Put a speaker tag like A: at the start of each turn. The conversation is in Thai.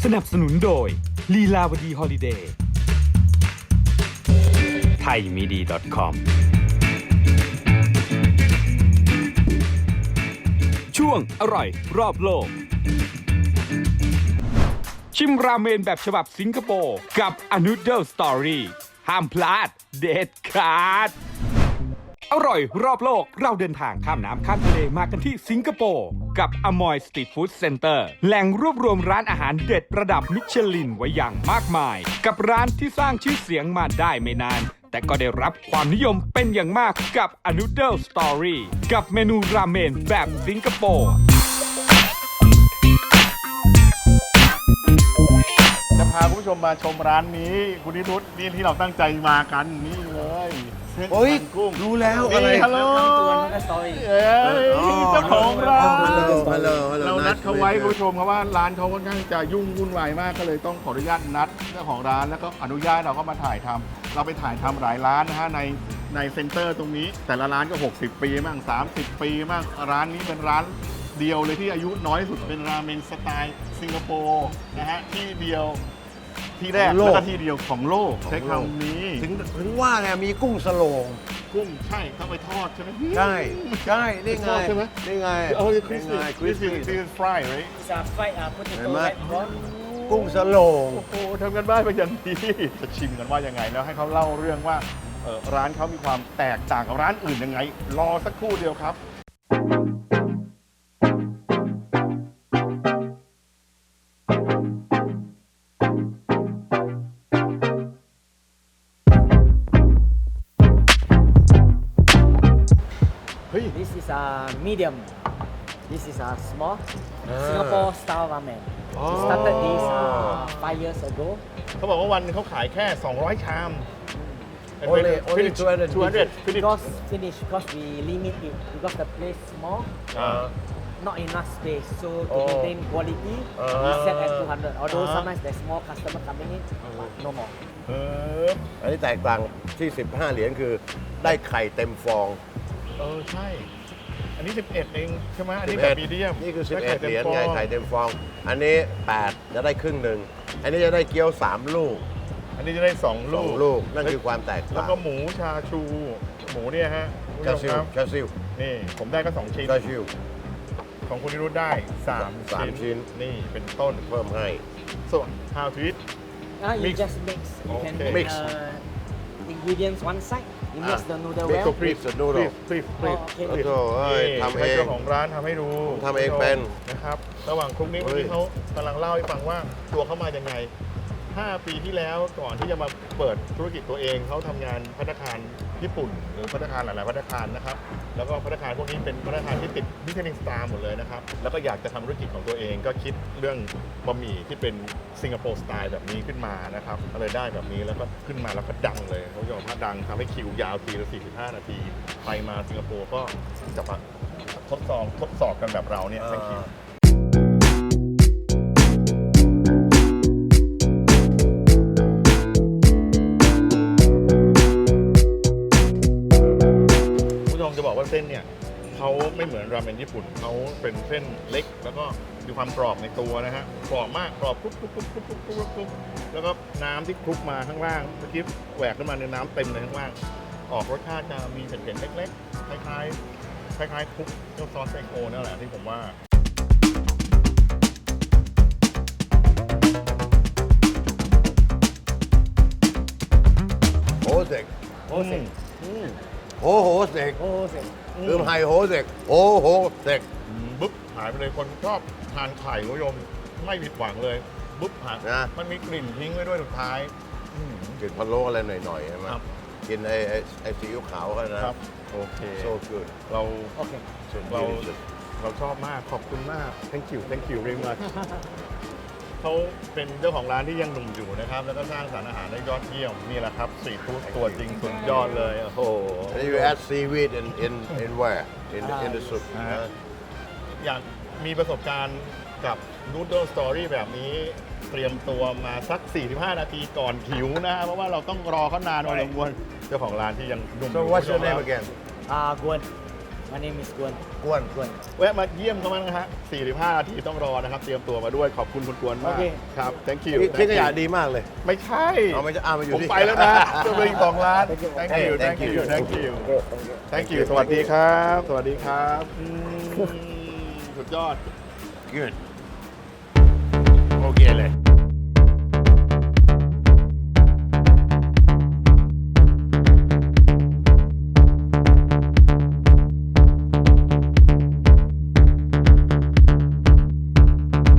A: นับสนุนโดยลีลาวดีฮอลิเดย์ไทยมีดี .com ช่วงอร่อยรอบโลกชิมราเมนแบบฉบับสิงคโปร์กับ A Noodle Story ห้ามพลาดเด็ดขาดอร่อยรอบโลกเราเดินทางข้ามน้ำข้ามทะเลมากันที่สิงคโปร์กับอมอยสตรีทฟู้ดเซ็นเตอร์แหล่งรวบรวมร้านอาหารเด็ดระดับมิชลินไว้อย่างมากมายกับร้านที่สร้างชื่อเสียงมาได้ไม่นานแต่ก็ได้รับความนิยมเป็นอย่างมากกับ A Noodle Story กับเมนูราเมนแบบสิงคโปร์
B: จะพาคุณผู้ชมมาชมร้านนี้คุณนิรุตนี่ที่เราตั้งใจมากันนี่เลยเส้นมันกุ้ง
C: รู้แล้วอะไร
B: ฮัลโหลเจ้าของร้าน
C: ฮัลโหล
B: เรานัดเขาไว้คุณผู้ชมเพราะว่าร้านเขาค่อนข้างจะยุ่งวุ่นวายมากก็เลยต้องขออนุญาตนัดเจ้าของร้านแล้วก็อนุญาตเราเข้ามาถ่ายทำเราไปถ่ายทำหลายร้านนะฮะในเซ็นเตอร์ตรงนี้แต่ละร้านก็60 ปีมั่ง30 ปีมั่งร้านนี้เป็นร้านเดียวเลยที่อายุน้อยสุดเป็นราเมนสไตล์สิงคโปร์นะฮะที่เดียวที่แรกแล้วก็ที่เดียวของโลกใช้คำนี้
C: ถึงว่าไงมีกุ้งสโลง
B: กุ้งใช่เข้าไปทอดใช่ไหม
C: ใช่ใช่นี่ไง
B: ทอดใช่ไหม
C: นี่ไง
B: Oh, this
C: นี่
B: is
C: ไง
B: this is fried, right?
D: It's a fried potato
C: Remember?
D: red prawn.
C: กุ้งสโลง
B: โอ้โหทำกันบ้านเป็นอย่างดีจะชิมกันว่ายังไงแล้วให้เขาเล่าเรื่องว่าร้านเขามีความแตกต่างกับร้านอื่นยังไง รอสักครู่เดียวครับ เฮ้ย
D: This is a medium. This is a small Singapore style ramen. We started this 5 years ago.
B: เขาบอกว่าวันหนึงเขาขายแค่ 200 ชาม
C: Only 200
B: 200
D: Because finish because we limit it because the place small,
B: อ่า
D: not enough space. So to maintain quality, we set at 200. Although sometimes there's more customer coming in, but no more.
B: เออ
C: อันนี้แตกต่างที่ 15 เหรียญคือได้ไข่เต็มฟอง
B: ใช่ อันนี้ 11 เองใช่ไหมอันนี้แบบมีเดียม
C: นี่คือ 11
B: ได้
C: เหรียญ
B: ต็มฟ
C: ไง
B: อง
C: ไข่เต็มฟอง อันนี้ 8 จะได้ครึ่งหนึ่ง อันนี้จะได้เกี๊ยว 3 ลูก
B: อันนี้จะได้2 ลูก
C: 2 ลูก นั่นคือความแตก
B: แล้ว
C: ต่าง
B: ก็หมูชาชู หมูเนี่ยฮะคุณ
C: ชา
B: ผู้
C: ซิ
B: ช
C: ว
B: มครับ
C: ชาซิว
B: นี่ผมได้ก็ 2 ชิ้น
C: ชาซิว
B: ของคุณนิรุตได้ 3
C: 3 ชิ้น
B: นี่เป็นต้น
C: เพิ่มให้
B: ส่วน how to eat
D: You
B: Mix.
D: just mix. You can
B: Okay.
D: make
C: Mix.
D: ingredients one side. You mix the noodle
C: Mix
D: well.
C: the Please, the noodle.
B: please
D: โอเค
C: โอ้โหเอ้ย
B: นี่
C: ทำเอง
B: ให้เจ้าของร้านทำให้ดู
C: ทำเองเป็น
B: นะครับ ระหว่างคลุกนี้
C: เฮ้
B: เมื่อย กี้เขากำลังเล่าให้ฟังว่าตัวเขามายังไง 5 ปีที่แล้วก่อนที่จะมาเปิดธุรกิจตัวเองเขาทำงานภัตตาคารญี่ปุ่นหรือภัตตาคารหลายๆภัตตาคารนะครับแล้วก็ภัตตาคารพวกนี้เป็นภัตตาคารที่ติดมิชลินสตาร์หมดเลยนะครับแล้วก็อยากจะทำธุรกิจของตัวเองก็คิดเรื่องบะหมี่ที่เป็นสิงคโปร์สไตล์แบบนี้ขึ้นมานะครับก็เลยได้แบบนี้แล้วก็ขึ้นมาแล้วก็ดังเลยเขาบอกว่าดังทำให้คิวยาวทีละ45 นาทีไปมาสิงคโปร์ก็จะมาทดสอบกันแบบเราเนี่ยทั้งคิว คุณผู้ชมจะบอกว่าเส้นเนี่ยเขาไม่เหมือนราเมนญี่ปุ่นเขาเป็นเส้นเล็กแล้วก็มีความกรอบในตัวนะฮะกรอบมากกรอบกรุบแล้วก็น้ำที่คลุกมาข้างล่างเมื่อกี้แหวกขึ้นมาในน้ำเต็มเลยข้างล่างออกรสชาติจะมีเผ็ดๆเล็กๆคล้ายๆคลุกเจ้าซอสไซโคนั่นแหละที่ผมว่า
C: โฮเซก
D: โฮเซก
C: โฮเซก
D: โฮเซก
C: คือไฮโฮเซกโฮเซก
B: บุ๊บหายไปเลยคนชอบทานไข่คุณผู้ชมไม่ผิดหวังเลยบุ๊บหาย
C: นะ
B: มันมีกลิ่นทิ้งไว้ด้วยสุดท้าย
C: กลิ่นพะโล้อะไรหน่อยๆใช่ไหม
B: ครับ
C: กินไอ้ซีอิ๊วขาวเขานะครับ
B: โอเค
C: so good
B: เรา
D: โอเค
B: เราชอบมากขอบคุณมาก thank you very much เขาเป็นเจ้าของร้านที่ยังหนุ่มอยู่นะครับ แล้วก็สร้างสรรค์อาหารได้ยอดเยี่ยมนี่แหละครับสตรีทฟู้ดตัวจริงสุดยอดเลยโอ้โห
C: and you add seaweed in where in the soup
B: อ่า อยากมีประสบการณ์กับ Noodle Story แบบนี้เตรียมตัวมาสัก 45 นาทีก่อนหิวนะ เพราะว่าเราต้องรอเขานานพอสมควรเจ้าของร้านที่ยังหนุ่ม
C: so what's your name again
D: Gwen. My name is Gwen.
C: กวน
D: Gwen.
B: แวะมาเยี่ยมเขามั้งนะฮะ 45 นาทีต้องรอนะครับ เตรียมตัวมาด้วย ขอบคุณคุณกวนมาก
D: โอเค
B: ครับ thank you
C: ทิ้งขยะดีมากเลย
B: ไม่ใช่
C: เอาไม่ใช่มาอยู่
B: ผม
C: ที่
B: ไปแล้วนะจะไปอีก2 ล้าน thank you thank you thank you thank you สวัสดีครับ สวัสดีครับสุดยอด
C: Good
B: โอเคเลย